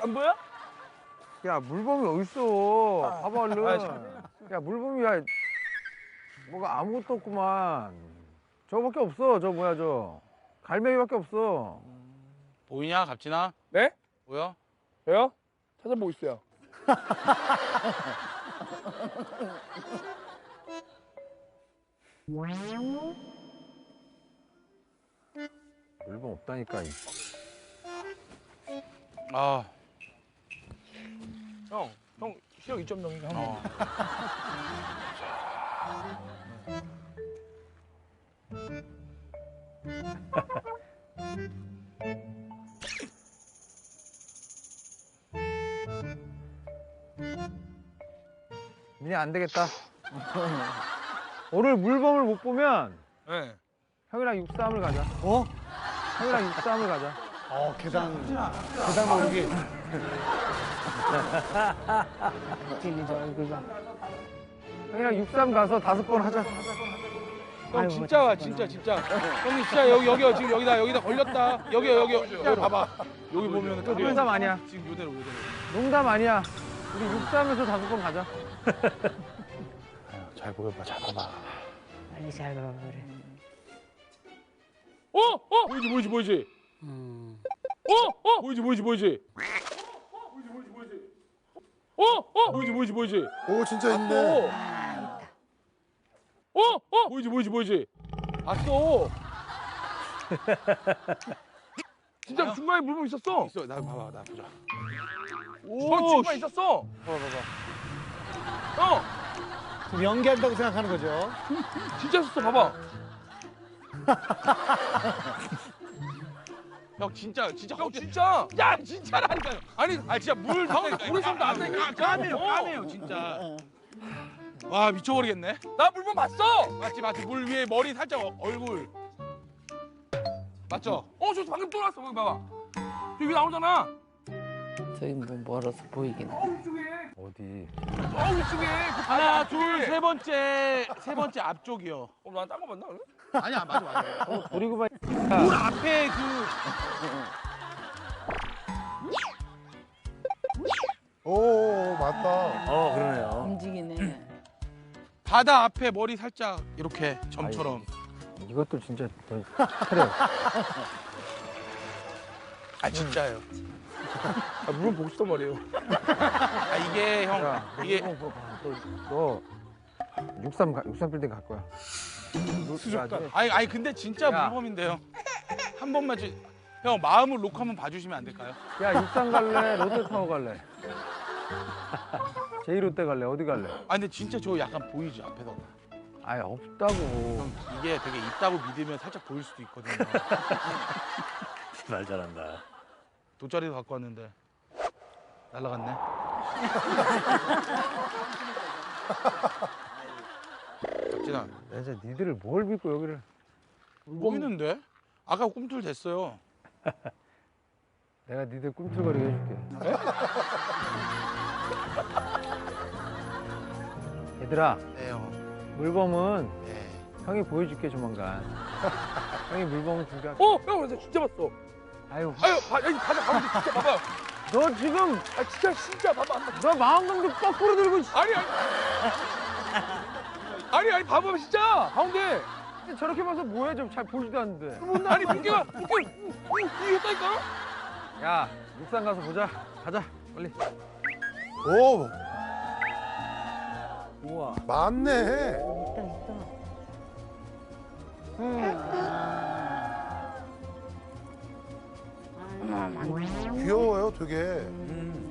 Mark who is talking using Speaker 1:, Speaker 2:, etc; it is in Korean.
Speaker 1: 안 보여?
Speaker 2: 야 물범이 어딨어? 봐봐 얼른. 야 물범이야. 뭐가 아무것도 없구만. 저거밖에 없어. 저 뭐야 저. 갈매기밖에 없어.
Speaker 3: 보이냐, 갑진아?
Speaker 1: 네?
Speaker 3: 보여?
Speaker 1: 왜요? 찾아보고 있어요.
Speaker 2: 물범 없다니까.
Speaker 3: 아,
Speaker 1: 형 시력 2.0이니까 한 번.
Speaker 3: 어.
Speaker 2: 민이 안 되겠다. 오늘 물범을 못 보면
Speaker 1: 네.
Speaker 2: 형이랑 육삼을 가자.
Speaker 4: 어?
Speaker 2: 형이랑 육삼을 가자.
Speaker 4: 계단 모르기.
Speaker 2: 형이랑 육삼 가서 5번 하자.
Speaker 1: 형 진짜 와 진짜. 형님 진짜 여기요 지금 여기다 걸렸다. 여기요. 진짜 봐봐. 여기 보면 또
Speaker 2: 농담 아니야.
Speaker 1: 지금 요대로.
Speaker 2: 농담 아니야. 우리 육삼에서 5번 가자.
Speaker 3: 잘 보여봐, 잘 봐봐.
Speaker 5: 빨리 잘 봐봐 그래.
Speaker 1: 보이지. 보이지. 보이지.
Speaker 6: 오 진짜 있네.
Speaker 1: 보이지. 봤어. 진짜 중간에 물범 있었어.
Speaker 3: 있어, 나 봐봐, 나 보자.
Speaker 1: 오, 중간에 있었어. 형,
Speaker 4: 지금 연기한다고 생각하는 거죠.
Speaker 1: 진짜 있었어. 봐봐.
Speaker 3: 형, 진짜.
Speaker 1: 형 진짜. 야, 진짜라니까요. 아니, 진짜 물에서 나왔다니까.
Speaker 3: 까매요, 진짜. 와, 미쳐버리겠네.
Speaker 1: 나 물범 봤어.
Speaker 3: 맞지. 물 위에 머리 살짝 얼굴. 맞죠?
Speaker 1: 저 방금 또 나왔어. 거기 봐봐. 저기 나오잖아.
Speaker 5: 저기 뭐 멀어서 보이긴 해.
Speaker 2: 어디?
Speaker 1: 이쪽에.
Speaker 3: 하나, 둘, 세 번째 앞쪽이요.
Speaker 1: 난딴 거 봤나? 그래?
Speaker 3: 아니야, 맞아.
Speaker 2: 버리고 봐.
Speaker 3: 물 앞에
Speaker 6: 오 맞다.
Speaker 2: 그러네요.
Speaker 5: 움직이네.
Speaker 3: 바다 앞에 머리 살짝 이렇게 점처럼.
Speaker 2: 이것도 진짜 차려.
Speaker 3: 아, 진짜요.
Speaker 1: 물범 보고 싶단 말이에요.
Speaker 3: 아, 이게 형,
Speaker 2: 야,
Speaker 3: 이게
Speaker 2: 너 육삼 빌딩 갈 거야.
Speaker 1: 수족관.
Speaker 3: 아니 근데 진짜
Speaker 2: 야.
Speaker 3: 물범인데요. 한 번만 형 마음을 놓고 한번 봐주시면 안 될까요?
Speaker 2: 야 육삼 갈래? 롯데타워 갈래? 제2롯데 갈래? 어디 갈래?
Speaker 3: 아 근데 진짜 저 약간 보이지 앞에서.
Speaker 2: 아예 없다고.
Speaker 3: 형 이게 되게 있다고 믿으면 살짝 보일 수도 있거든요.
Speaker 7: 말 잘한다.
Speaker 3: 돗자리도 갖고 왔는데 날라갔네. 박진아
Speaker 2: 이제 니들을 뭘 믿고 여기를?
Speaker 3: 보이는데? 아까 꿈틀 됐어요.
Speaker 2: 내가 니들 꿈틀거리게 해줄게. 얘들아,
Speaker 3: 네 형.
Speaker 2: 물범은
Speaker 3: 네.
Speaker 2: 형이 보여줄게 조만간. 형이 물범을 준비할게.
Speaker 1: 형, 나 진짜 봤어.
Speaker 2: 아유,
Speaker 1: 가자, 진짜 봐봐.
Speaker 2: 너 지금
Speaker 1: 진짜 봐봐.
Speaker 2: 너 마음강도 거꾸로 들고 있어.
Speaker 1: 아니, 봐봐, 진짜. 가운데.
Speaker 2: 저렇게 봐서 뭐해? 좀 잘 보지도 않는데.
Speaker 1: 아니, 물개가 이겼다니까?
Speaker 2: 야, 육상 가서 보자. 가자, 빨리.
Speaker 6: 오
Speaker 2: 우와.
Speaker 6: 맞네.
Speaker 5: 있다 있다.
Speaker 6: 귀여워요 되게.